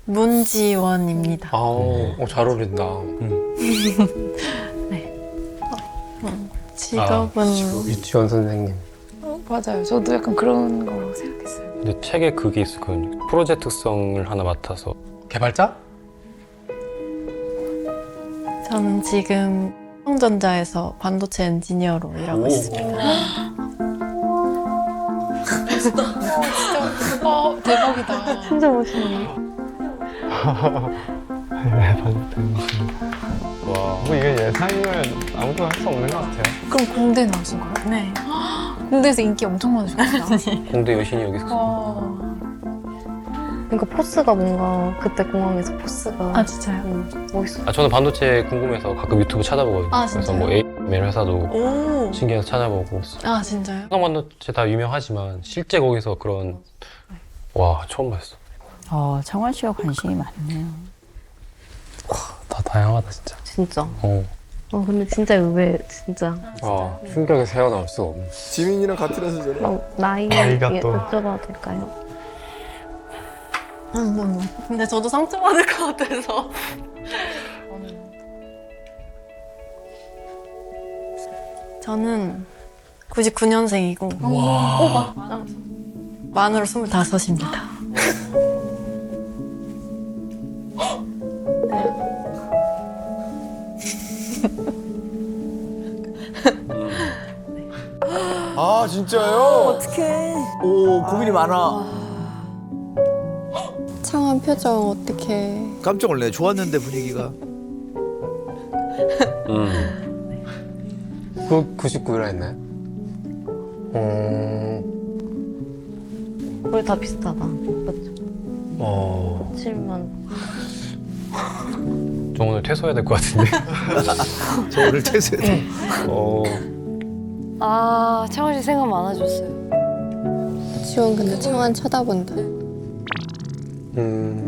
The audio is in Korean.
문지원입니다. 잘 어울린다. 직업은 유치원 선생님. 맞아요. 저도 약간 그런 거 생각했어요. 근데 책에 그게 있었거든요. 프로젝트성을 하나 맡아서. 개발자? 저는 지금 삼성전자에서 반도체 엔지니어로 일하고 있습니다. 대박이다. 진짜 멋있네요. 와. 뭐 이게 예상이면 아무도 할 수 없는 것 같아요. 그럼 공대 나오신 거예요? 네. 공대에서 인기 엄청 많으셨구나. 공대 여신이 여기 있었어. 와. 그러니까 포스가 뭔가 그때 공항에서 포스가 아 진짜요? 멋있어. 저는 반도체 궁금해서 가끔 유튜브 찾아보거든요. 아, 그래서 진짜요? 뭐 AML 회사도 오. 신기해서 찾아보고. 아 진짜요? 한강 반도체 다 유명하지만 실제 거기서 그런 와 처음 봤어. 창원 씨가 관심이 많네요. 다 다양하다 진짜. 진짜. 어. 근데 진짜 의외 진짜. 충격에 새어나올 수가 없네. 지민이랑 같은 회사잖아. 막 나이 나이가 또. 여쭤봐도 될까요? 근데 저도 상처받을 것 같아서. 저는 99년생이고 만으로 25입니다. 아 진짜요? 어떡해. 오 고민이 많아. 창원 표정 어떻게? 깜짝 놀래. 좋았는데 분위기가. 그 99라 했나요? 우리 다 비슷하다. 맞죠? 7만. 저 오늘 퇴소해야 될 것 같은데. 저 오늘 퇴소해. 창원 씨 생각 많아졌어요. 지원 근데 창원 쳐다본다.